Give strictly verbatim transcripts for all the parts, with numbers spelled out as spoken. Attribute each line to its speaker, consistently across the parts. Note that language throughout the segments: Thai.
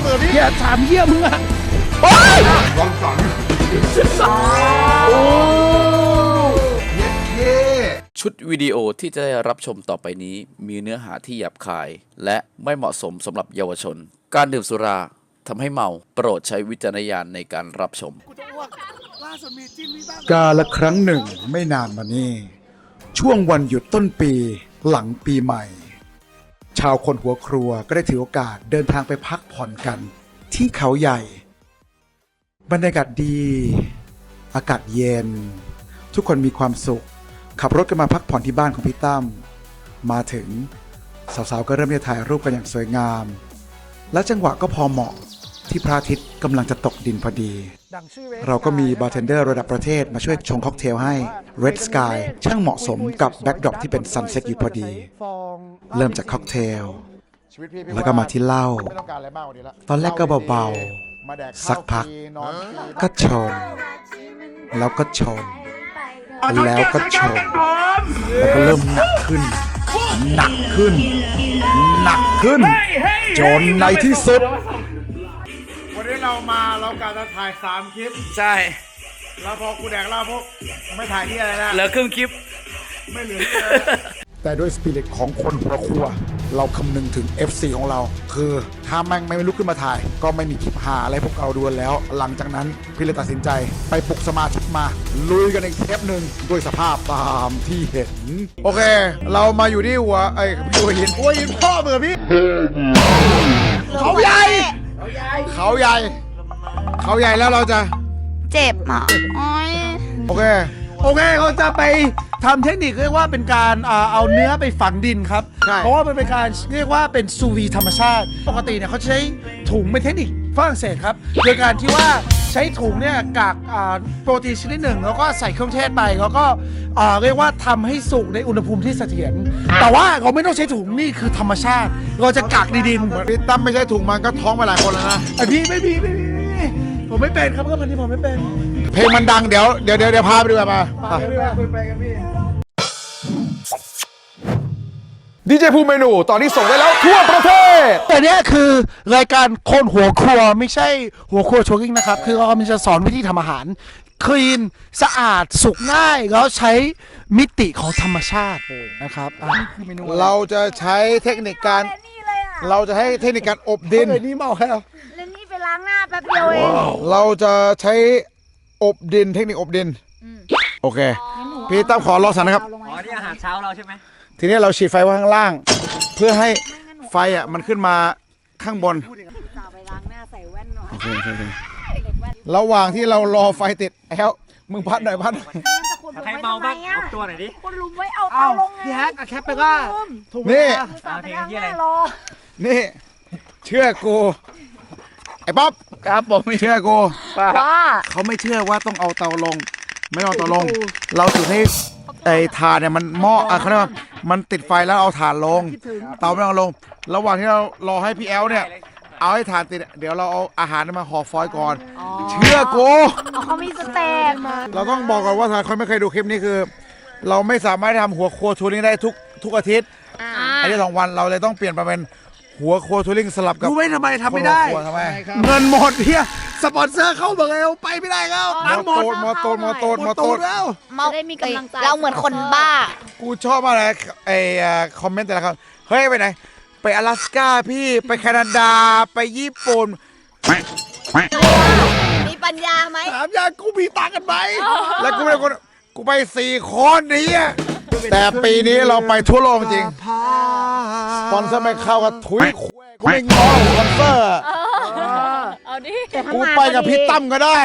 Speaker 1: มือพี่
Speaker 2: อย่าถามเหี้ยมึงอะ
Speaker 1: วังสัน
Speaker 3: ชุดวิดีโอที่จะได้รับชมต่อไปนี้มีเนื้อหาที่หยาบคายและไม่เหมาะสมสำหรับเยาวชนการดื่มสุราทำให้เมาโปรดใช้วิจารณญาณในการรับชม
Speaker 2: กาละครั้งหนึ่งไม่นานมานี้ช่วงวันหยุดต้นปีหลังปีใหม่ชาวคนหัวครัวก็ได้ถือโอกาสเดินทางไปพักผ่อนกันที่เขาใหญ่บรรยากาศดีอากาศเย็นทุกคนมีความสุขขับรถกันมาพักผ่อนที่บ้านของพี่ตั้มมาถึงสาวๆก็เริ่มจะถ่ายรูปกันอย่างสวยงามและจังหวะก็พอเหมาะที่พระอาทิตย์กำลังจะตกดินพอดีเราก็มีบาร์เทนเดอร์ระดับประเทศมาช่วยชงค็อกเทลให้ Red Sky ช่างเหมาะสมกับแบ็กดรอปที่เป็นซันเซ็ตอยู่พอดีเริ่มจากค็อกเทลแล้วก็มาที่เหล้าตอนแรกก็เบาๆสักพักก็ชนแล้วก็ชนแล้วก็ชนแล้วก็เริ่มหนักขึ้นหนักขึ้นหนักขึ้นจนในที่สุด
Speaker 1: วันนี้เรามาเรากะจะถ่ายสามคลิป
Speaker 3: ใช่
Speaker 1: แล้วพอกูแดกเหล้าพวกไม่ถ่ายที่อะไรนะ
Speaker 3: เหลือครึ่งคลิป
Speaker 1: ไม่เหลือ
Speaker 2: แต่ด้วยสปิริตของคนหัวครัวเราคำนึงถึง เอฟ ซี ของเราคือถ้าแม่งไม่ลุกขึ้นมาถ่ายก็ไม่มีคลิปหาอะไรพวกเราดูแล้วหลังจากนั้นพี่เลยตัดสินใจไปปลุกสมาชิกมาลุยกันอีกเทปหนึ่งด้วยสภาพตามที่เห็นโอเคเรามาอยู่ที่หัวไอ้หัวหินหัวหินพ่อเบื่อพี่เขาใหญ่เขาใหญ่เขาใหญ่แล้วเราจะ
Speaker 4: เจ็บอ่ะ
Speaker 2: โอเค
Speaker 5: โอเคเขาจะไปทำเทคนิคเรียกว่าเป็นการเอาเนื้อไปฝังดินครับเพราะว่ามันเป็นการเรียกว่าเป็นซูวีธรรมชาติปกติเนี่ยเขาใช้ถุงเป็นเทคนิคฝรั่งเศสครับโดยการที่ว่าใช้ถุงเนี่ยกากโปรตีนชนิดหนึ่งแล้วก็ใส่เครื่องเทศไปแล้วก็เรียกว่าทำให้สุกในอุณหภูมิที่เสถียรแต่ว่าเราไม่ต้องใช้ถุงนี่คือธรรมชาติเราจะกักในดิน
Speaker 2: พี่ตั้มไม่ใช่ถุงมันก็ท้องไปหลายคนแล้วนะ
Speaker 5: ไอพี่ไม่พี่ไม่พี่ผมไม่เป็นครับก็พันที่ผมไม่เป็น
Speaker 2: เพลงมันดังเดี๋ยวเดี๋ยวเดี๋ยวเดี๋ยวพาไปดูกันมา
Speaker 5: คุยไปกันพี่
Speaker 2: ดีเจภูมิเมนูตอนนี้ส่งได้แล้วทั่วประเทศ
Speaker 5: แต่เนี้ยคือรายการคนหัวครัวไม่ใช่หัวครัวโชว์กิ้งนะครับคือเราจะสอนวิธีทำอาหารคลีนสะอาดสุกง่ายแล้วใช้มิติของธรรมชาตินะครับ
Speaker 2: เราจะใช้เทคนิคการเราจะให้เทคนิคการอบดิน
Speaker 5: นี่เมาแล้ว
Speaker 4: แล้วนี่ไปล้างหน้าแป๊บเดียวเอง
Speaker 2: เราจะใช้อบดินเทคนิคอบดินโอเคพี่ตั้มขอรอสันนะครับ
Speaker 6: อ๋อนี่อาหารเช้าเราใช่ไหม
Speaker 2: ทีนี้เราฉีดไฟไว้ข้างล่างเพื่อให้ไฟอ่ะมันขึ้นมาข้างบนระหว่างที่เรารอไฟติดแอลมึงพัดหน่อยพัด
Speaker 6: ใครเมาบ้างออกตัวหน่อยดิ
Speaker 4: คนลุมไว้เอาเตาลงไง
Speaker 5: พี่แฮกแคปไปก็
Speaker 2: นี่
Speaker 4: นี่
Speaker 2: เชื่อกูไอ้ป๊อป
Speaker 3: ครับผมไม่
Speaker 2: เชื่อกู
Speaker 4: ว่า
Speaker 2: เขาไม่เชื่อว่าต้องเอาเตาลงไม่เอาเตาลงเราจุดให้ไอ้ถ่านเนี่ยมันหม้ออ่ะเขาเรียกว่ามันติดไฟแล้วเอาถ่านลงเตาไม่เอาลงระหว่างที่เรารอให้พี่แอลเนี่ยเอาให้ถ่านติดเดี๋ยวเราเอาอาหารมาห่อฟอยล์ก่อนเชื่อกู
Speaker 4: เขามีสเต็ป
Speaker 2: เราต้องบอกก่อนว่าถ้าคนไม่เคยดูคลิปนี้คือเราไม่สามารถทำหัวครัวทัวริงได้ทุกทุกอาทิตย์อันนี้สองวันเราเลยต้องเปลี่ยนมาเป็นหัวครัวทัวริงสลับกับ
Speaker 5: รู้ไหมทำไมทำไม่ได้เงินหมดเฮียสปอนเซอร์เข้าบอกแล้วไปไม่ได้แล้ว
Speaker 2: น้ำหมดมอโตนมอโตนมอโตน
Speaker 5: แล้ว
Speaker 4: เราได้มีกำลังใจเราเหมือนคนบ้า
Speaker 2: กูชอบอะไรไอ้คอมเมนต์แต่ละคำเฮ้ยไปไหนไป阿拉斯ก้าพี่ไปแคนาดาไปญี่ปุ่น
Speaker 4: มีปัญญาไหม
Speaker 5: ถามยากูมีตังกันไหม
Speaker 2: แล้วกูเป็นคนกูไปสี่คนนี้แต่ปีนี้เราไปทั่วโลกจริงสปอนเซอร์ไม่เข้ากับถุยกูไม่ง้อสปอนเซอร์
Speaker 4: เอาดิ
Speaker 2: กูไปกับพี่ตั้มก็ได้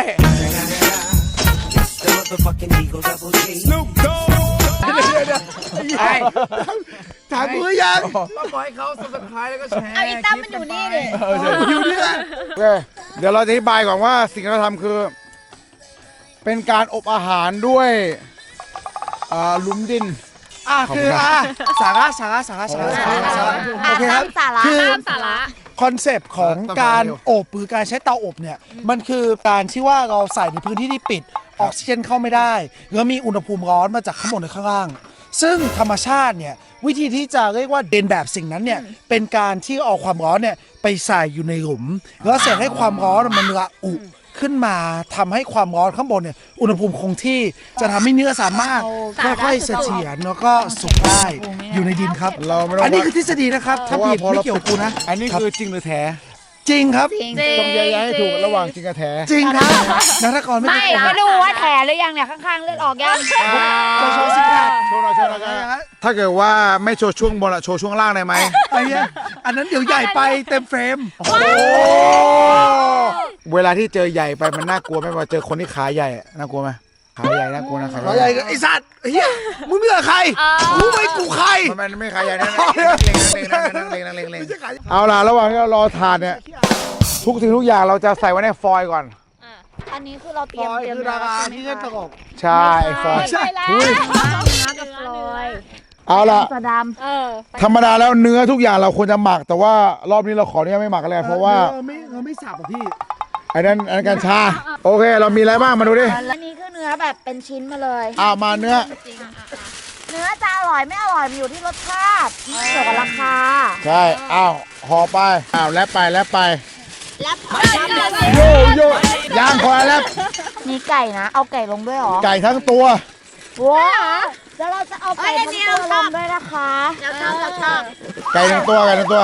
Speaker 5: ถามมือยังต้องปล่อยเขาสับสไครแล้วก็แชร์
Speaker 4: เอาอีตั้มมันอยู่นี่ดิ
Speaker 5: อยู่นี่แหละ
Speaker 2: เดี๋ยวเราจะอธิบายก่อนว่าสิ่งที่เราทำคือเป็นการอบอาหารด้วยหลุมดิน
Speaker 5: อ่ะคืออ่ะสาระสาระสาระสาระสาระโอเคครับ
Speaker 4: คือสาระ
Speaker 5: คอนเซปต์ของการอบหรือการใช้เตาอบเนี่ยมันคือการที่ว่าเราใส่ในพื้นที่ที่ปิดออกซิเจนเข้าไม่ได้แล้วมีอุณหภูมิร้อนมาจากข้างบนหรือข้างล่างซึ่งธรรมชาติเนี่ยวิธีที่จะเรียกว่าเดินแบบสิ่งนั้นเนี่ยเป็นการที่เอาความร้อนเนี่ยไปใส่อยู่ในหลุมแล้วเสร็จให้ความร้อนมันระอุขึ้นมาทำให้ความร้อนข้างบนเนี่ยอุณหภูมิคงที่จะทำให้เนื้อสามารถค่อยๆเสถียรแล้วก็สุกได้อยู่ในดินครับ
Speaker 1: เราไม่ต้อง
Speaker 5: อันนี้คือทฤษฎีนะครับถ้าผิดไม่เกี่ยวกับกูนะ
Speaker 1: อันนี้คือจริงหรือแท้
Speaker 5: จริงครับ
Speaker 4: จริง
Speaker 1: ต้องแยกแยะให้ถูกระหว่างจริงกับแท้
Speaker 5: จริงครับนักทกรไม่
Speaker 4: ไม่
Speaker 5: ได้โกห
Speaker 4: ก็
Speaker 5: ก
Speaker 4: ดูว่าแผลหรือยังเนี่ยข้างๆเลือดออกยัง
Speaker 5: จะโชว์ซิกแพค
Speaker 1: โชว์หน่อยโชว์หน่อยครับถ้าเกิดว่าไม่โชว์ช่วงบนอะโชว์ช่วงล่างได้ไหม
Speaker 5: ไอ้เนี้ยอันนั้นเดี๋ยวใหญ่ไปเต็มเฟรม
Speaker 1: โอ้เวลาที่เจอใหญ่ไปมันน่ากลัวไหมว่าเจอคนที่ขาใหญ่อะน่ากลัวไหมขาใหญ่น่ากลัวนะขา
Speaker 5: อะไรไอ้สัตว์เฮียมึงไม่เหลือใครรู้ไหมกูใคร
Speaker 1: มันไม่ขาใหญ่นะเล็งๆนั่งเล็งๆนั่งเล็งๆนั่งเล็งๆเอาล่ะระหว่างที่เรารอทานเนี่ยทุกสิ่งทุกอย่างเราจะใส่ไว้ในฟอยล์ก่อน
Speaker 4: อันนี้คือเราเต
Speaker 5: ฟ
Speaker 4: รียม
Speaker 5: อย
Speaker 4: เตรียม
Speaker 5: คือดาราที่เล่นตลก
Speaker 1: ใช่ฟอยล์
Speaker 4: ใช่แล้ว
Speaker 1: อุ้ย
Speaker 4: เนื้อกับฟลอย
Speaker 1: เอาล่ะ
Speaker 4: สดำเออ
Speaker 1: ธรรมดาแล้วเนื้อทุกอย่างเราควรจะหมัก แต่ว่ารอบนี้เราขออนุญาตไม่หมักกันเลยเพราะว่า
Speaker 5: เราไม่เราไม่สับอ่ะพี่
Speaker 1: ไอ้นั่นอันนั้นกัญชาโอเค เรามีอะไรบ้างมาดูดิ
Speaker 4: อันนี้คือเนื้อแบบเป็นชิ้นมาเลย
Speaker 1: อ้าวมาเนื้อ
Speaker 4: เนื้อจะอร่อยไม่อร่อยมันอยู่ที่รสชาติไม่เกี่ยวกับราคา
Speaker 1: ใช่อ้าวห่อไปอ้าวแลบไปแลบไป
Speaker 4: แล้ว
Speaker 1: โยโย่ย่างคอยแลบ
Speaker 4: มีไก่นะ เอาไก่ลงด้วยเหรอ
Speaker 1: ไก่ทั้งตัว
Speaker 4: ว้าแล้วเราจะเอาไก่ทั้งตัวลงด้วยนะคะเราชอบเราชอบ
Speaker 1: ไก่ทั้งตัวไก่ทั้งตัว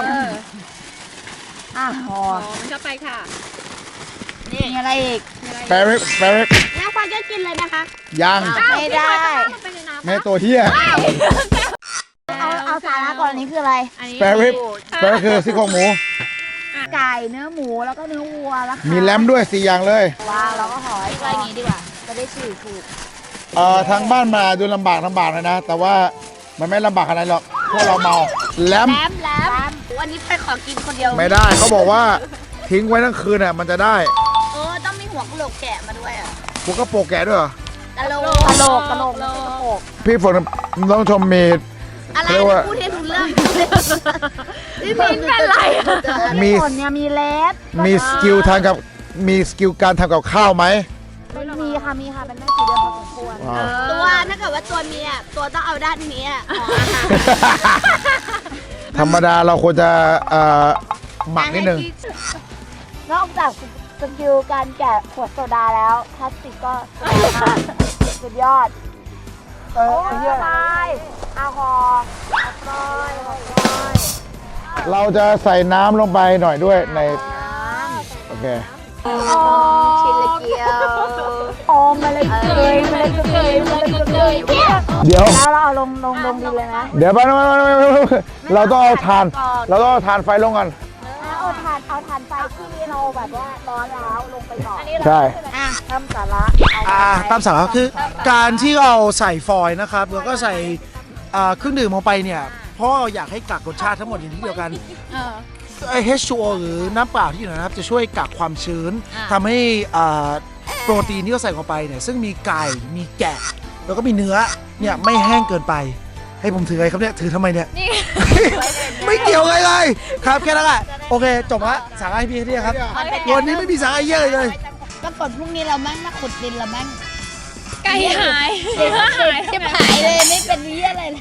Speaker 4: อ่ะหอม
Speaker 7: มันเข้าไปค่ะ
Speaker 4: มีอะไรอีก
Speaker 1: แปริกแปริก
Speaker 7: แล้วควายจะกินเลยนะคะ
Speaker 1: ย่าง
Speaker 4: ไม่ได้
Speaker 7: ไปในน้ำ
Speaker 1: แม่ตัวเฮีย
Speaker 4: เอาเอาสาระก่อนอันนี้คืออะไร
Speaker 7: อันนี้
Speaker 1: แปริกแปริกคือซี่โครงหมู
Speaker 4: ไก่เนื้อหมูแล้วก็เนื้อวัวแล้วค่ะ
Speaker 1: มีแลมด้วยสี่อย่างเลย
Speaker 4: ว้าวเราก็ห่อให้ไว้อย่างนี้ดีกว่า จะได้ฉีกถูก
Speaker 1: เอ่อทางบ้านมาดูลำบากลำบากเลยนะ แต่ว่ามันไม่ลำบากขนาดนั้นหรอกพวกเราเมาแลม
Speaker 4: แลมแลมวันนี้ไปขอกินคนเดียว
Speaker 1: ไม่ได้เขาบอกว่าทิ้งไว้ทั้งคืนอ่ะมันจะได้
Speaker 4: เออต้องมีหัวกะโหลกแกะมาด้วยอ่ะ
Speaker 1: พวกกระโปรงแกะด้วยเหรอ
Speaker 4: กะโหลกกะโหลกกะโหลกไม่ใช่กระโปรง
Speaker 1: พี่ฝนต้องชมมี
Speaker 4: อะไร
Speaker 1: เรียกว่า
Speaker 4: พูดให้รู้เรื่องพี่มินเป็นไรมีผลเนี่ยมีเล็บ
Speaker 1: มีสกิลทางกับมีสกิลการทำกับข้าวไหม
Speaker 4: มีค่ะมีค่ะเป็นแม่สีเดือนพอสมควร
Speaker 1: ว้าว
Speaker 7: ตัวถ้าเกิดว่าตัวเมียตัวต้องเอาด้านนี้อะห่ออาหาร
Speaker 1: ธรรมดาเราควรจะเอ่อหมักนิดนึง
Speaker 4: นอกจากสกิลการแกะขวดโซดาแล้วพลาสติกก็สวยมากสุดยอด
Speaker 5: เออไอ้เหี้ย
Speaker 4: ไปเอาหอเอาปล่อยเอาปล่อย
Speaker 1: เราจะใส่น้ำลงไปหน่อยด้วยในโอเค
Speaker 4: ชิ้นละเกียวโอมมาเลยเกยมาเลยเกยมาเลยเกย
Speaker 1: เดี๋ยว
Speaker 4: แล้วเราเอาลงลงลงดินเลยนะ
Speaker 1: เดี๋ยวไปเราต้องเอาทาน เราต้องเอาทานไฟลงก่อน
Speaker 4: เอาถ่านเอาถ่านไฟที่เราแบบว่าร้อนแล้วลงไปก่อน
Speaker 1: ใช่
Speaker 4: อ่ะทำสาระ
Speaker 5: อ่าตามสาระคือการที่เราใส่ฟอยล์นะครับแล้วก็ใส่อ่าเครื่องดื่มลงไปเนี่ยเพราะเราอยากให้กักรสชาติทั้งหมดอยู่ที่เดียวกันไอ เอช ทู โอ หรือน้ำเปล่าที่อยู่ในนะครับจะช่วยกักความชื้นทำให้อ่าโปรตีนที่เราใส่ลงไปเนี่ยซึ่งมีไก่มีแกะ แล้วก็มีเนื้อเนี่ยไม่แห้งเกินไป ให้ผมถืออะไรครับเนี่ยถือทำไมเนี่ย ไม่เกี่ยวอะไรเลยครับแค่นั้นแหละโอเคจบละสาระให้พี่ที่ครับวันนี้ไม่มีสาระเยอะเลย
Speaker 4: ก็ฝนพรุ่งนี้เราแม่งมาขุดดินเราแม่ง
Speaker 7: ไก่หายเนื้อหาย
Speaker 4: จะหายเลยไม่เป็นเยี่ยอะไรเลย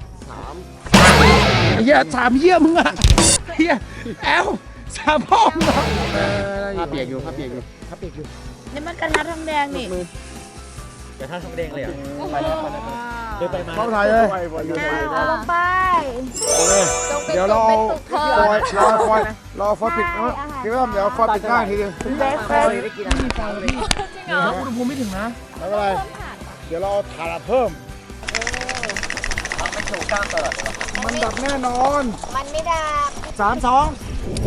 Speaker 5: เฮียสามเยี่ยมึงอะเฮียแอลสามพ่อมึงเหรอ
Speaker 6: ผ้าเปียกอยู่ผ้าเปียกอยู่
Speaker 5: ครับเปียกอยู่
Speaker 4: นี่มันกระทะทองแดงนี่
Speaker 6: เดี๋ยวท่านทำเองเลยอ่ะไปแล้วไปแล้วเดินไปมา
Speaker 1: เข้าถ่ายเลย
Speaker 4: เอาลงไป
Speaker 1: เดี๋ยวเราฟอยรอฟอยรอฟอยปิดนะพี่ว่าเดี๋ยวฟอยปิดง่ายทีเดียว
Speaker 4: เบสเฟรน
Speaker 5: แล้วอุณหภูมิไม่ถึงนะ
Speaker 1: ไม่เป็นไรเดี๋ยวเราเอาถ่านเพิ่มมันดับแน่นอน
Speaker 4: มันไม่ดับ
Speaker 5: สามสอง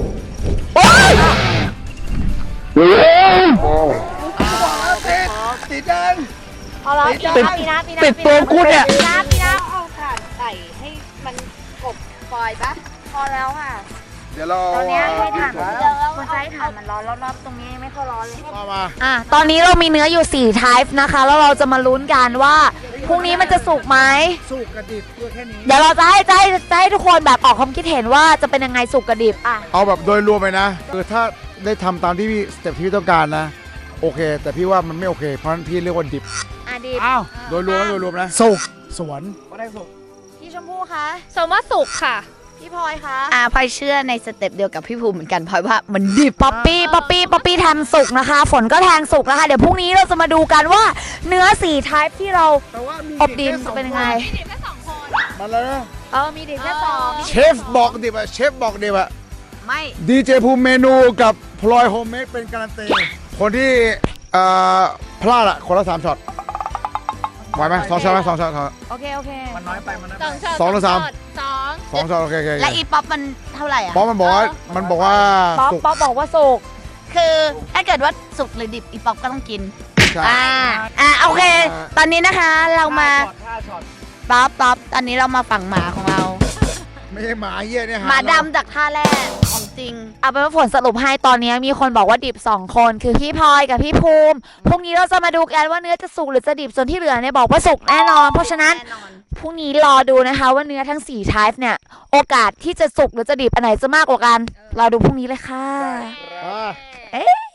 Speaker 5: ติดติดดัง
Speaker 4: พอเรา
Speaker 5: ติด
Speaker 4: ปีนะปีนะ
Speaker 5: ติดตัวกูเนี่ย
Speaker 4: ปีนะปีนะเอาถ่านใส่ให้มันกบฟอยปะพอแล้วค่ะ
Speaker 1: เดี๋ยวเรา
Speaker 4: ตอนนี้ให้ถ่านมันเยอะมันจะให้ถ่านมันร้อนรอบๆตรงนี้ไม่ค่อยร้อนเลย
Speaker 1: มามา
Speaker 4: อ่ะ ตอนนี้เรามีเนื้ออยู่สี่ type นะคะ แล้วเราจะมาลุ้นกันว่าพรุ่งนี้มันจะสุกไหม
Speaker 5: สุกกระดิบตัวแค่นี้
Speaker 4: เดี๋ยวเราจะให้จะให้จะให้ทุกคนแบบออกความคิดเห็นว่าจะเป็นยังไงสุกกระดิบอ่ะ
Speaker 1: เอาแบบโดยรวมไปนะคือถ้าได้ทำตามที่พี่สเต็ปที่พี่ต้องการนะโอเค แต่พี่ว่ามันไม่โอเค เพราะฉะนั้นพี่เรียกว่าดิบ
Speaker 4: อ่ะดิบ
Speaker 5: อ้าว
Speaker 1: โดยรวมนะโดยรวมนะ
Speaker 5: สุกสวนก็ได้สุก
Speaker 4: พี่ชมพู่คะ
Speaker 7: สมว่าสุกค่ะพี่พลอยคะ
Speaker 4: อ่าพลอยเชื่อในสเต็ปเดียวกับพี่ภูมิเหมือนกันพลอยว่ามันดิบป๊อปปี้ป๊อปปี้ป๊อปปี้แทงสุกนะคะ ฝนก็แทงสุกนะคะเดี๋ยวพรุ่งนี้เราจะมาดูกันว่าเนื้อสี่ไทป์ที่เราอบดินจะเป็นยังไง
Speaker 7: มีเด็กแค่สองคน
Speaker 1: มาแล้วนะ
Speaker 4: เออมีดิบแค่สอง
Speaker 1: เชฟบอกดิบอะเชฟบอกดิบอะ
Speaker 4: ไม่
Speaker 1: ดีเจภูมิเมนูกับพลอยโฮมเมดเป็นการันตีคนที่เอ่อพลาดอะคนละสามช็อตไหวไหมสองช็อตไหมสองช็อต
Speaker 4: โอเคโอเค
Speaker 6: มันน้อยไปมันน้อย
Speaker 7: สองช็อต
Speaker 1: สองหรือสาม
Speaker 7: สอง
Speaker 1: สองช็อตโอเคโอเค
Speaker 4: และอีป๊อปมันเท่าไหร่อ่ะ
Speaker 1: ป๊อปมันบอกว่ามันบอกว่า
Speaker 4: ป๊อป
Speaker 1: สุก
Speaker 4: ป๊อปบอกว่าสุกคือถ้าเกิดว่าสุกหรือดิบอีป๊อปก็ต้องกิน
Speaker 1: ใช่
Speaker 4: อ่าอ่าโอเค ตอนนี้นะคะเรามา
Speaker 6: ห้าช็อต
Speaker 4: ป๊อปป๊อปตอนนี้เรามาฝั่งหมาของเรา
Speaker 1: ไม่ใช่หมาเหี้ยเนี่ย
Speaker 4: หมาดำจากท่าแรกของจริง เอาเป็นว่าผลสรุปให้ตอนนี้มีคนบอกว่าดิบสองคนคือพี่พลอยกับพี่ภูมิพรุ่งนี้เราจะมาดูกันว่าเนื้อจะสุกหรือจะดิบส่วนที่เหลือเนี่ยบอกว่าสุกแน่นอน เพราะฉะนั้นพรุ่งนี้รอดูนะคะว่าเนื้อทั้งสี่ไทป์เนี่ยโอกาสที่จะสุกหรือจะดิบอันไหนจะมากกว่ากันรอดูพรุ่งนี้เลยค่ะ
Speaker 1: อ่า
Speaker 4: เอ๊ะ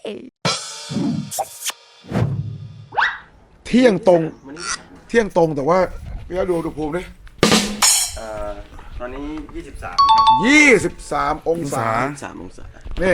Speaker 1: เที่ยงตรงเที่ยงตรงแต่ว่าพี่ดูดูภูมิดิ
Speaker 6: เอ่อตอนนี้ยี่สิบสาม
Speaker 1: ยี่สิบสามองศา
Speaker 6: สามองศา
Speaker 1: นี่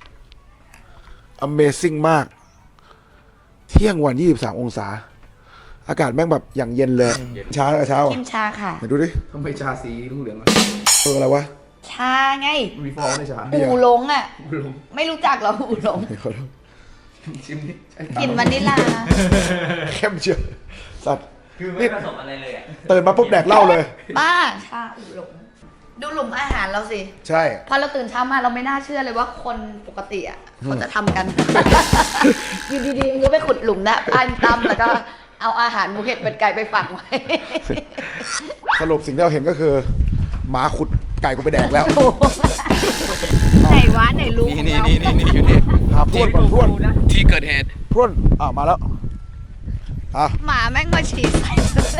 Speaker 1: Amazing มาก เที่ยงวันยี่สิบสามองศา อากาศแม่งแบบอย่างเย็นเลยเช้าเช้า
Speaker 4: กินชาค่ะ
Speaker 1: ไหนดูดิ
Speaker 8: ทำไมชาสีเหลืองๆอ่ะ
Speaker 1: เอออะไรวะ
Speaker 4: ชาไง
Speaker 8: มีฟองในชา
Speaker 4: หูหลงอ่ะไม่รู้จักเหรอหูหลง
Speaker 1: ขอโทษ
Speaker 8: ชิมนิด
Speaker 4: กลิ่นวานิลลา
Speaker 1: เข้มเชียวสัตว์
Speaker 6: คือไม่ผสมอะไรเลยอ่ะ
Speaker 1: ตื่นมาปุ๊บแดกเหล้าเลย
Speaker 4: บ้าชาหูหลงดูหลุมอาหารเราสิ
Speaker 1: ใช่
Speaker 4: พอเราตื่นเช้ามาเราไม่น่าเชื่อเลยว่าคนปกติอ่ะเขาจะทำกัน อยู่ดีๆมันก็ไปขุดหลุมนะอันตั้มแล้วก็เอาอาหารหมูเห็ดเป็ดไก่ไปฝังไว้
Speaker 1: สรุปสิ่งที่เราเห็นก็คือหมาขุดไก่กูไปแดกแล้ว
Speaker 4: ไหนวะไหนรู้
Speaker 3: นี่นี่นี่นี่อยู่นี่
Speaker 1: หาพรวนก่อนพรวน
Speaker 3: ที่เกิดเหตุ
Speaker 1: พรวนอ่ามาแล้วอ่ะ
Speaker 4: หมาแม่งมาฉี่ใส่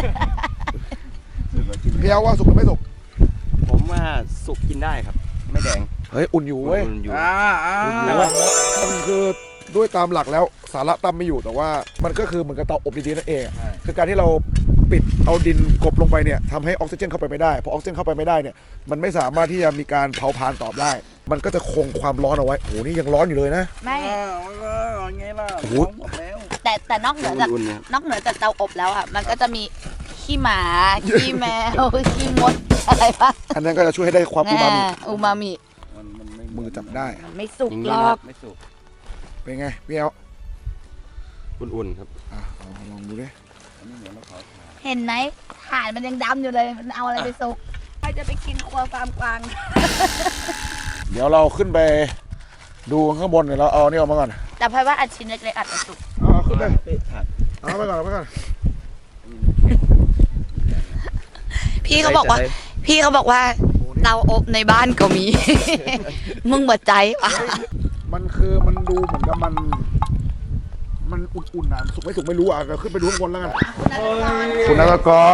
Speaker 1: พี่เอาว่าสุกหรือไม่สุก
Speaker 6: ผมว่าสุกกินได้ครับ ไม่แดง
Speaker 1: เฮ้ยอุ่นอยู่เว้ย
Speaker 6: อุ่นอยู่
Speaker 1: อ่าอ่ามันคือด้วยตามหลักแล้วสาระตั้มไม่อยู่แต่ว่ามันก็คือเหมือนกับเตาอบดีๆนั่นเองอะคือการที่เราปิดเอาดินกลบลงไปเนี่ยทำให้ออกซิเจนเข้าไปไม่ได้พอออกซิเจนเข้าไปไม่ได้เนี่ยมันไม่สามารถที่จะมีการเผาผลาญตอบได้ มันก็จะคงความร้อนเอาไว้โอ้โหนี่ยังร้อนอยู่เลยนะ
Speaker 4: ไม่
Speaker 6: ไงล่ะ
Speaker 1: โอ้โห
Speaker 4: แต่แต่นอกเหนือจาก
Speaker 6: อุ่นๆนะครับ
Speaker 4: นอกเหนือจากเตาอบแล้วอ่ะมันก็จะมีขี้หมาขี้แมวขี้มดอะไรปะ
Speaker 1: อันนั้นก็จะช่วยให้ได้ความอูมามิ
Speaker 4: อ่าอูมามิ
Speaker 1: มือจับได้
Speaker 4: มันไม่สุก
Speaker 6: อย่าง
Speaker 4: ห
Speaker 6: นี้
Speaker 4: ร
Speaker 6: นะ
Speaker 4: อก
Speaker 6: ไม่สุก
Speaker 1: เป็นไงพี่เอา
Speaker 6: อุ่นๆครับ
Speaker 1: อ่ะเอาลองดูดิ
Speaker 4: เห็นไหมถ่านมันยังดำอยู่เลยมันเอาอะไรไปสุกใครจะไปกินครัวฟาร์มกวาง
Speaker 1: เดี๋ยวเราขึ้นไปดูข้างบนเดี๋ยวเราเอานี่ออกมาก่อน
Speaker 4: แต่พายว่าอันชิ้นเล็กๆอาจจะสุก
Speaker 1: เอาขึ้นไปเอาไปก่อนเอาไปก่อน
Speaker 4: พี่เขาบอกว่า พี่เขาบอกว่าเตาอบในบ้านก็มี มึงหมดใจปะ
Speaker 1: มันคือมันดูเหมือนกับมัน มันอุ่นๆนะสุกไม่สุกไม่รู้อ่ะเราขึ้นไปดูข้างบนแล้วกันคุณนักกร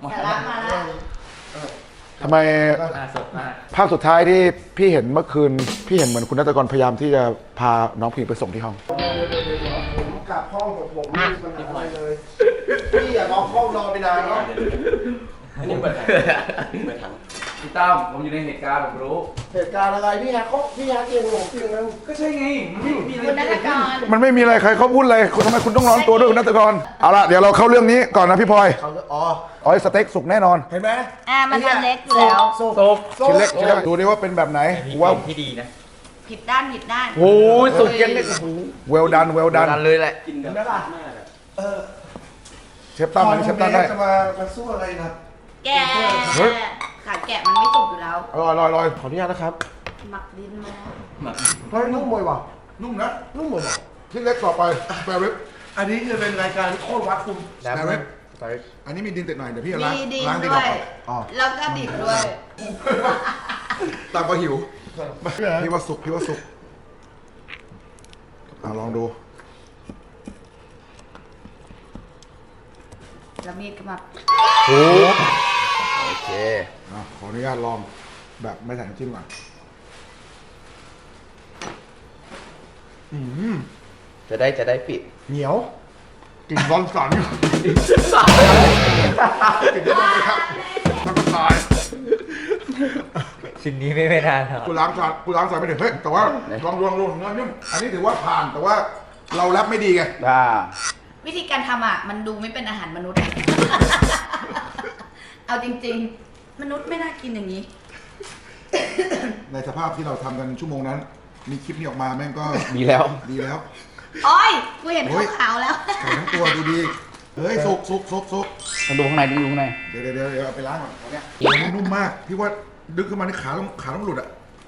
Speaker 1: ทำไมภาพสุดท้ายที่พี่เห็นเมื่อคืน พี่เห็นเหมือนคุณนักกรพยายามที่จะพาน้องผู้หญิงไปส่งที่ห้องกลับห้องกับผมไม่มีปัญหาอะไรเลยพี่อย่าน้องห้องนอนไปนานแล้ว
Speaker 6: อันนี้เปิดถังเปิดถัง
Speaker 8: พี่ตั้มผมอยู่ในเหตุการณ์ผมรู้
Speaker 1: เหตุการณ์อะไรพี่ฮะเขาพี่ฮะเก่งผมจริงนะ
Speaker 8: ก็ใช่ไงมันไม่มีอะไร
Speaker 4: คุณนักกร
Speaker 1: มันไม่มีอะไรใครเขาพูดอะไรคุณทำไมคุณต้องร้อนตัวด้วยคุณนัตกรเอาละเดี๋ยวเราเข้าเรื่องนี้ก่อนนะพี่พลอยอ๋ออ๋อสเต็กสุกแน่นอน
Speaker 5: เห็นไหม
Speaker 4: อ่ามันอันเล็กอยู่แล้ว
Speaker 8: โซบ
Speaker 1: ชิ้นเล็กชิ้นเล็กดูดิว่าเป็นแบบไหนกูว่า
Speaker 6: ที่ดีนะ
Speaker 4: ผิดด้านผิดด้าน
Speaker 8: โอ้ยสุกเย็นเลย
Speaker 1: เวลดันเวลดัน
Speaker 8: ดันเลยแหละ
Speaker 6: กินแบบมากอะ
Speaker 1: เชฟตั้มอันนี้เชฟตั้มได้
Speaker 5: จะมามาสู้อะไรนะ
Speaker 4: แกะขาแกะมันไม่สุกอยู่แล้ว
Speaker 1: อร่อยอร่อยอร่อย
Speaker 5: ขออนุญาตนะครับ
Speaker 4: หมักดินมา
Speaker 5: เฮ้ยนุ่มมวยว่ะ
Speaker 1: นุ่มนะ
Speaker 5: นุ่มมวยว่ะ
Speaker 1: ชิ้นเล็กต่อไปแปรริบ
Speaker 5: อันนี้จะเป็นรายการโคตรวัดคุณ
Speaker 1: แปรริบอันนี้มีดินติดหน่อยเดี๋ยวพี่จะล้าง
Speaker 4: มีดิน
Speaker 1: ล้างดิน
Speaker 4: ด้
Speaker 1: อ
Speaker 4: ว
Speaker 1: อก
Speaker 4: ย
Speaker 1: อ๋อ
Speaker 4: แล้วก็ดิบด้วย
Speaker 1: ตามก็หิวพี่ว่าสุกพี่ว่าสุกอ่ะลองดู
Speaker 4: แล้วมีดก็มา
Speaker 1: โอ้
Speaker 8: โอเค
Speaker 1: อ่ะขออนุญาตลองแบบไม่ใส่น้ำจิ้มก่อนอืม
Speaker 8: จะได้จะได้ปิด
Speaker 1: เหนียวกลิ่นร้อนสันกลิ่นร้อนเลยครับแล้วก็ตายเช
Speaker 6: ชิ้นนี้ไม่ไม่นานครับ
Speaker 1: กูล้างจานกูล้างจานไม่ถึงเฮ้ยแต่ว่าลองลองลองเนื้อนิ่มอันนี้ถือว่าผ่านแต่ว่าเราแรปไม่ดีไง
Speaker 8: อ่า
Speaker 7: วิธีการทำอ่ะ มันดูไม่เป็นอาหารมนุษย์ เอาจริงๆ มนุษย์ไม่น่ากินอย่างนี้
Speaker 1: ในสภาพที่เราทำกันชั่วโมงนั้น มีคลิปนี้ออกมาแม่งก็
Speaker 8: ดีแล้ว
Speaker 1: ดีแล้ว
Speaker 7: โอ้ย กูเห็น
Speaker 1: โอ้ย
Speaker 7: ขาวๆแล้ว
Speaker 1: ไก่ทั้งตัวดูดีเฮ้ยสุกสุกสุกสุก
Speaker 8: ต้องดูข้างในต้องดูข้างใน
Speaker 1: เดี๋ยวเดี๋ยวเดี๋ยวเดี๋ยวเอาไปล้างก่อนตอนเนี้ยโอ้โหนุ่มมากพี่ว่าดึงขึ้นมาในขาต้องขาต้องหลุดอะ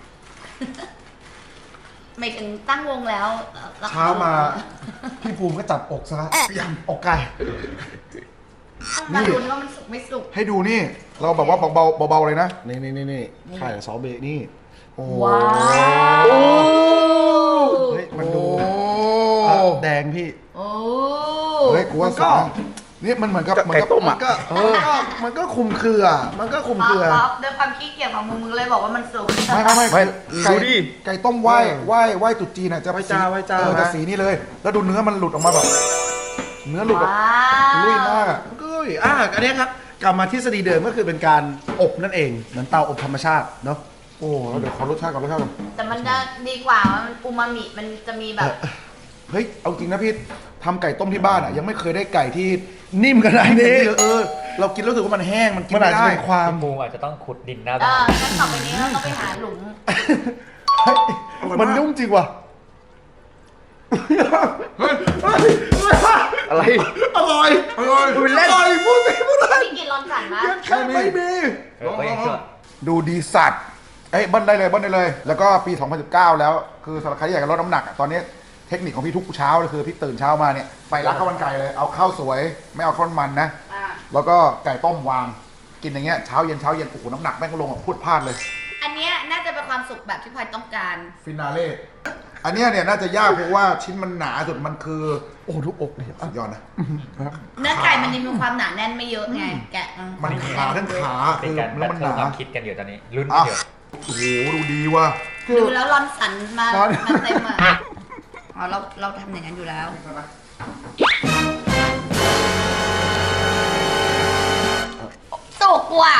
Speaker 7: ไม่ถึงตั้งวงแล้วเอ่อ
Speaker 5: เช้ามา พี่ภูมิก็จับอกซะยังอกไก่
Speaker 7: มาดูว่ามันสุกไม่สุก
Speaker 1: ให้ดูนี่ เราแบบว่าเบาๆเบาๆเลยนะ
Speaker 5: นี่นี่นี่นี่ไข่กับซอสเบะนี่ โอ้
Speaker 7: ว้าว
Speaker 5: เฮ้ยมันดู
Speaker 1: โอ้
Speaker 5: แดงพี่
Speaker 7: โอ้
Speaker 1: เฮ้ยกูว่า
Speaker 5: มันก็
Speaker 1: สองนี่มันเหมือนกับเหมือนกับ
Speaker 5: มันก็มันก็มันก็คุมเครือ มันก็คุม
Speaker 7: ป๊อ
Speaker 5: เค
Speaker 7: ป
Speaker 5: รือ
Speaker 7: ป๊อปด้วยความขี้เกียจของมึงมึงเลยบอกว่ามันสุก
Speaker 1: ไม่ไม่ไม่ไก่
Speaker 5: ดูดิ
Speaker 1: ไก่ต้มไหว้ไหว้ไหว้ตุ๊จีนอ่ะจะ
Speaker 5: ไหว้จ้า
Speaker 1: สี
Speaker 5: ไหว้จ้า
Speaker 1: เออจะ
Speaker 5: นะ
Speaker 1: สีนี่เลย แล้วดูเนื้อมันหลุดออกมาแบบ เนื้อหลุดแบบ
Speaker 7: ว้าว
Speaker 1: ลุยมากอะ
Speaker 5: ก็อ่ะอันเนี้ยครับกลับมาทฤษฎีเดิมก็คือเป็นการอบนั่นเองเหมือนเตาอบธรรมชาติเนาะ
Speaker 1: โอ้แล้วเดี๋ยวขอรสชาติก่อนรสชาติก่อน
Speaker 7: แต่มันจะดีกว่ามันอูมามิมันจะมีแบบ
Speaker 1: เฮ้ยเอาจริงนะพี่ทำไก่ต้มที่บ้านอ่ะยังไม่เคยได้ไก่ที่
Speaker 5: นิ่มขนาด
Speaker 1: นิ่ม
Speaker 5: นี้
Speaker 1: เลยเออ เรากินแล้วรู้สึกว่ามันแห้งมันกิน
Speaker 5: มันอาจ
Speaker 1: ไม่
Speaker 5: จะ
Speaker 1: ได้
Speaker 5: เป็นความ
Speaker 6: พี่มูอาจจะต้องขุดดินหน้า
Speaker 7: เอ
Speaker 6: บ้า
Speaker 7: อน งั้นต่อไปนี้เราต้องไปหาหลุม
Speaker 5: มันนุ่มจริงว่ะ
Speaker 1: เฮ้ย
Speaker 8: อะไร
Speaker 5: อร่อย
Speaker 1: อร่อย
Speaker 5: อร่อยพูดไปพูดไป
Speaker 7: พี่กินร้อนสันนะ
Speaker 5: แค่ไม่มี
Speaker 6: เออก็ยังชั่ว
Speaker 1: ดูดีสัตว์เอ้ยเบิ้ลได้เลยเบิ้ลได้เลย แล้วก็ปี สองพันสิบเก้า แล้วคือสำหรับใครที่อยากจะลดน้ำหนักอะตอนนี้เทคนิคของพี่ทุกเช้าเลยคือพี่ตื่นเช้ามาเนี่ยไปร้านข้าวมันไก่เลยเอาข้าวสวยไม่เอาข้าวมันนะ
Speaker 7: อ่า
Speaker 1: แล้วก็ไก่ต้มวางกินอย่างเงี้ยเช้าเย็นเช้าเย็นโอ้โหน้ำหนักแม่งลงแบบพูดพลาดเลย
Speaker 7: อันเนี้ยน่าจะเป็นความสุขแบบที่พลอยต้องการ
Speaker 1: ฟินาเล่อันเนี้ยเนี่ยน่าจะยากเพราะว่าชิ้นมันหนาสุดมันคือ
Speaker 5: โอ้ทุกอกเลย
Speaker 1: สุดยอดนะ
Speaker 7: เนื้อไก่มันยังมีความหนาแน่นไม่เยอะไง แกะอื
Speaker 1: มันขาทั้งขา
Speaker 6: เป็
Speaker 1: คื
Speaker 6: น
Speaker 1: อ
Speaker 6: การ
Speaker 1: แล้
Speaker 6: แบ
Speaker 1: ว
Speaker 6: ท
Speaker 1: มัน
Speaker 6: เทิ
Speaker 1: ห
Speaker 6: ล
Speaker 1: นา
Speaker 6: ความคิดกันอยู่ตอนนี้ลุ้นกั
Speaker 1: อ่ะ
Speaker 6: นอยู่
Speaker 1: โอ้โหดูดีว่ะ
Speaker 7: ดูแล้วร้อนสันมามาเต็มอ่ะอ๋อเราเราทำอย่างนั้นอยู่แล้ว สุกว่ะ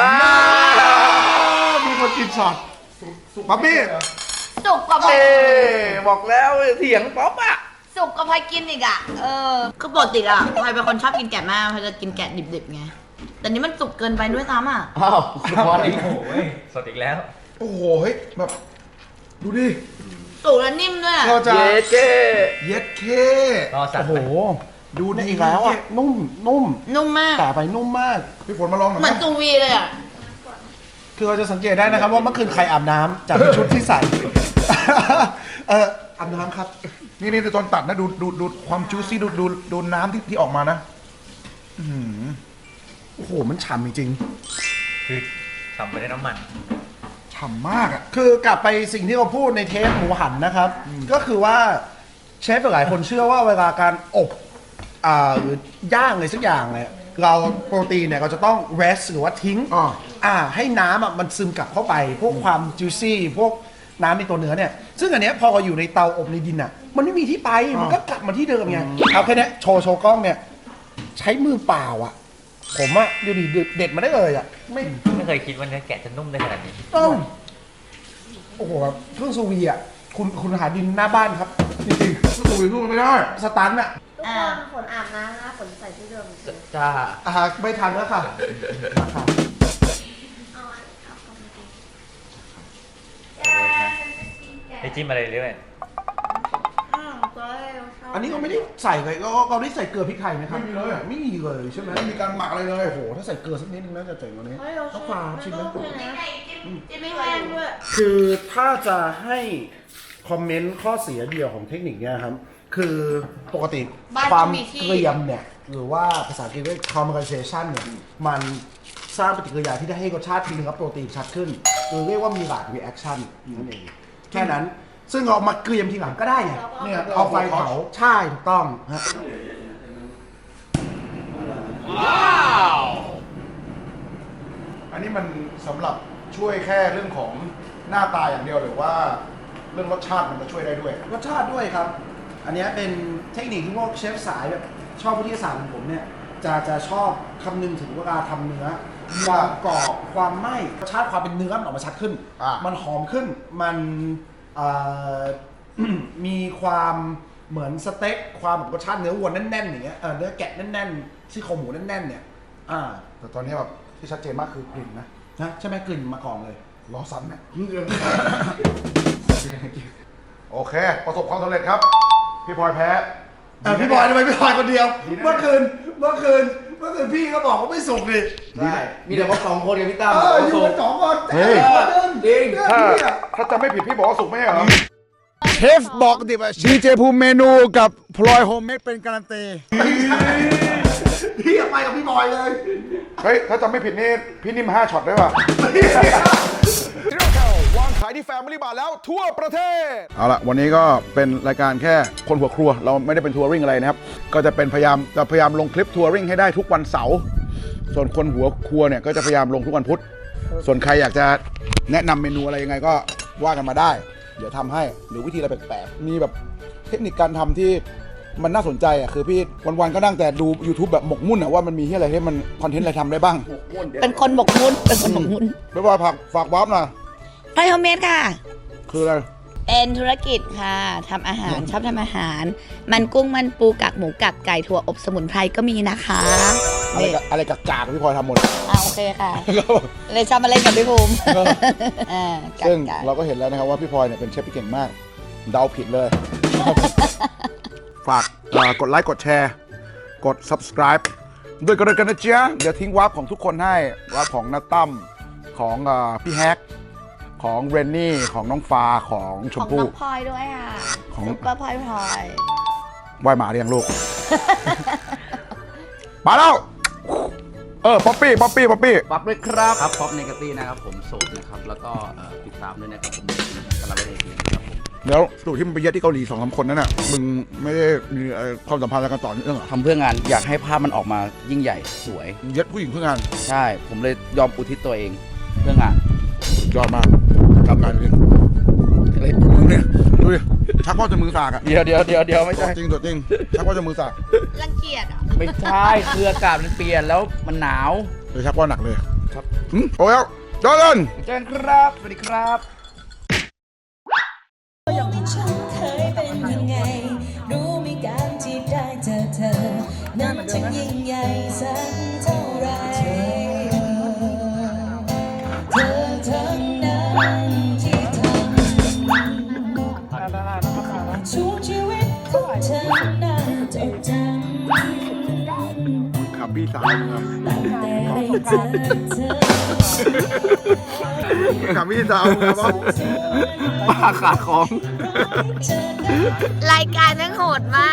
Speaker 1: มีคนกินช็อตป๊อปปี้
Speaker 7: สุกกว่าพลอย
Speaker 8: เอ๊บอกแล้วเถียงป๊อปอ่ะ
Speaker 7: สุกกว่าพลอยกินอีกอ่ะ เออ คือปกติอ่ะพลอยเป็นคนชอบกินแกะมากพลอยจะกินแกะดิบๆไง แต่นี้มันสุกเกินไปด้วยซ้ำอ่ะ
Speaker 8: อ้าวพออีก
Speaker 6: โอ้โหสดอีกแล้ว
Speaker 1: โอ้โหเฮ้ยแบบดูดิ
Speaker 7: สุกแล้วนิ่มด้วยอะ
Speaker 5: เราจะ
Speaker 8: เย้เจ้
Speaker 1: เย็ดเค
Speaker 6: รอสั่ง
Speaker 5: โอ้โห
Speaker 6: ไป
Speaker 1: ดู
Speaker 5: นี่
Speaker 1: ดี
Speaker 5: อีกแล้วอ่ะ นุ่ม นุ่ม
Speaker 7: นุ่มมาก
Speaker 5: แต่ไปนุ่มมาก
Speaker 1: พี่ฝนมาลองหน่อย
Speaker 7: เห
Speaker 1: ไหม
Speaker 7: มือนตูวีเลยอ่ะ
Speaker 5: คือเราจะสังเกตได้นะครับว่าเมื่อคืนใครอาบน้ำจากชุดที่ใส่ เอออาบน้ำครับ
Speaker 1: นี่นี่ตอนตัดนะดูดูดูความจูซี่ดูดูดูน้ำที่ที่ออกมานะ
Speaker 5: โอ้โห มันฉ่ำจริง
Speaker 6: คือทำไปด้วยน้ำมัน
Speaker 1: ฉ่ำมากอ่ะ
Speaker 5: ๆคือกลับไปสิ่งที่เราพูดในเทปหมูหันนะครับ ก็คือว่าเชฟหลายคนเชื่อว่าเวลาการอบอ่าหรือย่างอะไรสักอย่างเนี่ยเราโปรตีนเนี่ยเราจะต้อง rest หรือว่าทิ้ง
Speaker 1: อ่า
Speaker 5: อ่าให้น้ำอ่ะมันซึมกลับเข้าไป พวกความ juicy พวกน้ำในตัวเนื้อเนี่ย ซึ่งอันเนี้ยพอเราอยู่ในเตาอบในดินอ่ะ มันไม่มีที่ไป มันก็กลับมาที่เดิมไงเอาแค่เนี้ยโชว์โชว์กล้องเนี่ย ใช้มือเปล่าอ่ะ ผมอ่ะดูดิเด็ดมาได้เลยอ่ะ ไม่
Speaker 6: ไม่เคยคิดว่าเนื้อแกะจะนุ่มได้ขนาดนี้
Speaker 5: ต้องโอ้โหแบบเครื่องซูวีอ่ะ คุณคุณหาดินหน้าบ้านครับ จริง
Speaker 1: ดูดิดูไม่ได้
Speaker 5: ๆ สตันอ่ะ
Speaker 7: อ่า
Speaker 9: ฝนอาบน้ำนะฝนใส่ที่เดิม
Speaker 8: จ้า
Speaker 5: อ่าไม่ทันแล้วค่ะมาค่ะ
Speaker 6: ไอจิ้มอะไรเรื่อย
Speaker 5: อันนี้ก็ไม่ได้ใส่เลยก็เราได้ใส่เกลือพริกไทยไหมครับ
Speaker 1: ไม่มีเลยอะ
Speaker 5: ไม่มีเลยใช่ไหม
Speaker 1: ไม่มีการหมักอะไรเลย
Speaker 5: โอ้โหถ้าใส่เกลือสักนิดนึงน่าจะเจ๋งกว่านี้ต้องฟาชิมไหม
Speaker 7: จะไม่แห้งด้วย
Speaker 5: คือถ้าจะให้คอมเมนต์ข้อเสียเดียวของเทคนิคเนี้ยครับ คือปกติ
Speaker 7: บ้าน
Speaker 5: ความ
Speaker 7: จะมีที่
Speaker 5: เกรียมเนี่ย หรือว่าภาษาอังกฤษเรียก caramelization เนี่ย มันสร้างปฏิกิริยาที่ได้ให้รสชาติที่เนื้อโปรตีนชัดขึ้น หรือเรียกว่ามีหลาก reaction นั่นเอง แค่นั้น ซึ่งเรามาเกรียมทีหลังก็ได้ไงเนี่ยเอาไฟเผาใช่ถูกต้องฮะ
Speaker 1: อันนี้มันสำหรับช่วยแค่เรื่องของหน้าตาอย่างเดียวหรือว่าเรื่องรสชาติมันจะช่วยได้ด้วย
Speaker 5: รสชาติด้วยครับ อันเนี้ยเป็นเทคนิคที่พวกเชฟสายแบบชอบวิทยาศาสตร์ของผมเนี่ยจะจะชอบคำนึงถึงเวลาทำเนื้อความกรอบความไหม้รสชาติความเป็นเนื้อมันออกมาชัดขึ้น
Speaker 1: อ่ะ
Speaker 5: มันหอมขึ้นมันเอ่อ มีความเหมือนสเต็กความแบบรสชาติเนื้อวัวแน่นๆอย่างเงี้ยเออเนื้อแกะแน่นๆซี่โครงหมูแน่นๆเนี่ยอ่า
Speaker 1: แต่ตอนนี้แบบที่ชัดเจนมากคือกลิ่นนะ
Speaker 5: นะใช่ไหมกลิ่นมาก่อนเลย
Speaker 1: ล้อสันเนี่ย โอเค ประสบความสำเร็จครับ พี่พลอยแพ้
Speaker 5: เออพี่บอยทำไมพี่บอยคนเดียว เมื่อคืนเมื่อคืนเมื่อคืนพี่ก็บอกว่าไม่สุกดิ
Speaker 8: ใช่มีแต่ว่าสองคนกับพี่ตั้ม
Speaker 5: เอออยู่กันสองคน
Speaker 1: เฮ้ย
Speaker 8: จริง
Speaker 1: ถ้าถ้าจำไม่ผิดพี่บอกว่าสุกไม่ใช่เหรอ
Speaker 2: เชฟบอกดิว่าดีเจภูมิเมนูกับพลอยโฮมเมดเป็นการันตี
Speaker 5: พี่อยากไปกับพี่บอยเลย
Speaker 1: เฮ้ย ถ้าจำไม่ผิดนี่พี่นิ่มห้าช็อตได้ป่ะซีโร่แคลวางขายที่แฟมิลี่บาร์แล้วทั่วประเทศ เอาละวันนี้ก็เป็นรายการแค่คนหัวครัว เราไม่ได้เป็นทัวริงอะไรนะครับ ก็จะเป็นพยายามจะพยายามลงคลิปทัวริงให้ได้ทุกวันเสาร์ส่วนคนหัวครัวเนี่ยก็จะพยายามลงทุกวันพุธส่วนใครอยากจะแนะนำเมนูอะไรยังไงก็ว่ากันมาได้ เดี๋ยวทำให้หรือวิธีอะไรแปลกๆมีแบบเทคนิคการทำที่มันน่าสนใจอ่ะคือพี่วันๆก็นั่งแต่ดู YouTube แบบหมกมุ่นอ่ะว่ามันมีที่อะไรที่มันคอนเทนต์อะไรทำได้บ้าง
Speaker 7: เป็นคนหมกมุ่นเป็นคนหมกมุ่น
Speaker 1: ไม่ว่าผักฝากวาร์ปหน่อย
Speaker 7: ไฟโฮมเมดค่ะ
Speaker 1: คืออะไร
Speaker 7: เป็นธุรกิจค่ะทำอาหารชอบทำอาหาร มันกุ้งมันปูกักหมูกักไก่ถั่วอบสมุนไพรก็มีนะคะ
Speaker 1: อะไรกับอะไรกับกากๆพี่พลอยทำหมด
Speaker 7: อ่าโอเคค่ะ เลยชอบมาเล่นกับพี่ภูมิอ่ากัก
Speaker 1: ซึ่ง
Speaker 7: ไก่
Speaker 1: เราก็เห็นแล้วนะครับว่าพี่พลอยเนี่ยเป็นเชฟที่เก่งมาก เดาผิดเลย ฝากเอ่อกดไลค์กดแชร์ กด subscribe ด้วยกันเลยกันนะจ๊ะเดี๋ยวทิ้งวาร์ปของทุกคนให้วาร์ปของนัตตั้มของเอ่อพี่แฮกของเรนนี่ของน้องฟ้าของช
Speaker 7: ข
Speaker 1: ม
Speaker 7: องน้
Speaker 1: พู่
Speaker 7: องพลอยด้วยค่ะ
Speaker 1: ของ
Speaker 7: ซุปเปอร์พลอยพลอย
Speaker 1: ไหวหมาเรียงลูก มาแล้ว เออ ป๊อปปี้ ป๊อปปี้ ป๊อปปี้
Speaker 8: ปั๊บเลยครับครับป๊อปเนกาตี้นะครับผมโสดนะครับ แล้วก็เอ่อติดตามด้วยนะครับผมกำลังเล่นเองครับผม
Speaker 1: แล้วสูตรที่มันไปเย็ดที่เกาหลีสองสามคนนั้นน่ะ มึงไม่ได้มีเอ่อความสัมพันธ์อะไรกันต่อเนื่องเหรอ
Speaker 8: ทำเพื่องานอยากให้ภาพมันออกมายิ่งใหญ่สวย
Speaker 1: เย็ดผู้หญิงเพื่องาน
Speaker 8: ใช่ ผมเลยยอมอุทิศตัวเองเพื่องาน
Speaker 1: ยอดมากทำงานนี้อะไรมึงเนี่ย ดูดิ ชักว่าจะมือสากอะ
Speaker 8: เดี๋ยวเดี๋ยวเดี๋ยวเดี๋ยวไม่
Speaker 1: ตัว
Speaker 8: ใช่
Speaker 1: จริงตัวจริง ชักว่าจะมือสาก
Speaker 7: รังเกียจอ่ะ
Speaker 8: ไม่ใช่คืออากาศมันเปลี่ยนแล้วมันหนาว
Speaker 1: เลยชักว่าหนักเลย
Speaker 8: ครับ
Speaker 1: อืมโอ้ยแล้วจอร์แดน
Speaker 8: เจนครับ สวัสดีครับ
Speaker 10: เคยเป็นยังไง รู้ไหมการที่ได้เจอเธอ นั้นจะยิ่งใหญ่สักเท่าไรเธอทั้งนั้นที่ทำทุกชีวิตของเธอน่าจดจำ
Speaker 1: ขับพี่สาวมึงอะ
Speaker 10: ตั้งแต่ได้เจอเธอ
Speaker 1: ขับพี่สาวมึงอะบ้าขาดของ
Speaker 4: รายการนั่งโหดมาก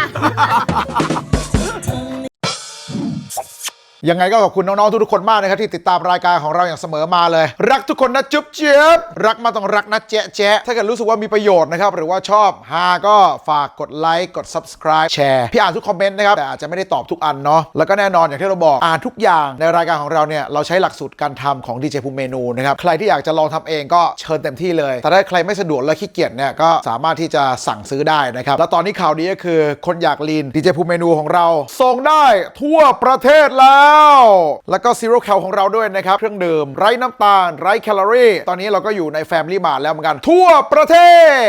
Speaker 1: ยังไงก็ขอบคุณน้องๆทุกๆคนมากนะครับที่ติดตามรายการของเราอย่างเสมอมาเลย รักทุกคนนะจุ๊บเจี๊ยบรักมาต้องรักนะแจ๊ะแจ๊ะถ้าเกิดรู้สึกว่ามีประโยชน์นะครับหรือว่าชอบฮาก็ฝากกดไลค์กด subscribe แชร์พี่อ่านทุกคอมเมนต์นะครับแต่อาจจะไม่ได้ตอบทุกอันเนาะแล้วก็แน่นอนอย่างที่เราบอกอ่านทุกอย่างในรายการของเราเนี่ยเราใช้หลักสูตรการทำของดีเจภูมิเมนูนะครับใครที่อยากจะลองทำเองก็เชิญเต็มที่เลยแต่ถ้าใครไม่สะดวกและขี้เกียจเนี่ยก็สามารถที่จะสั่งซื้อได้นะครับแล้วตอนนี้ข่าวดีก็คือคนอยากลีนดีเจภูมิเมนูของเราส่งได้ทั่วประเทศแล้วแล้วก็ซีโร่แคลของเราด้วยนะครับเครื่องดื่มไร้น้ำตาลไร้แคลอรี่ตอนนี้เราก็อยู่ใน Family Mart แล้วเหมือนกันทั่วประเทศ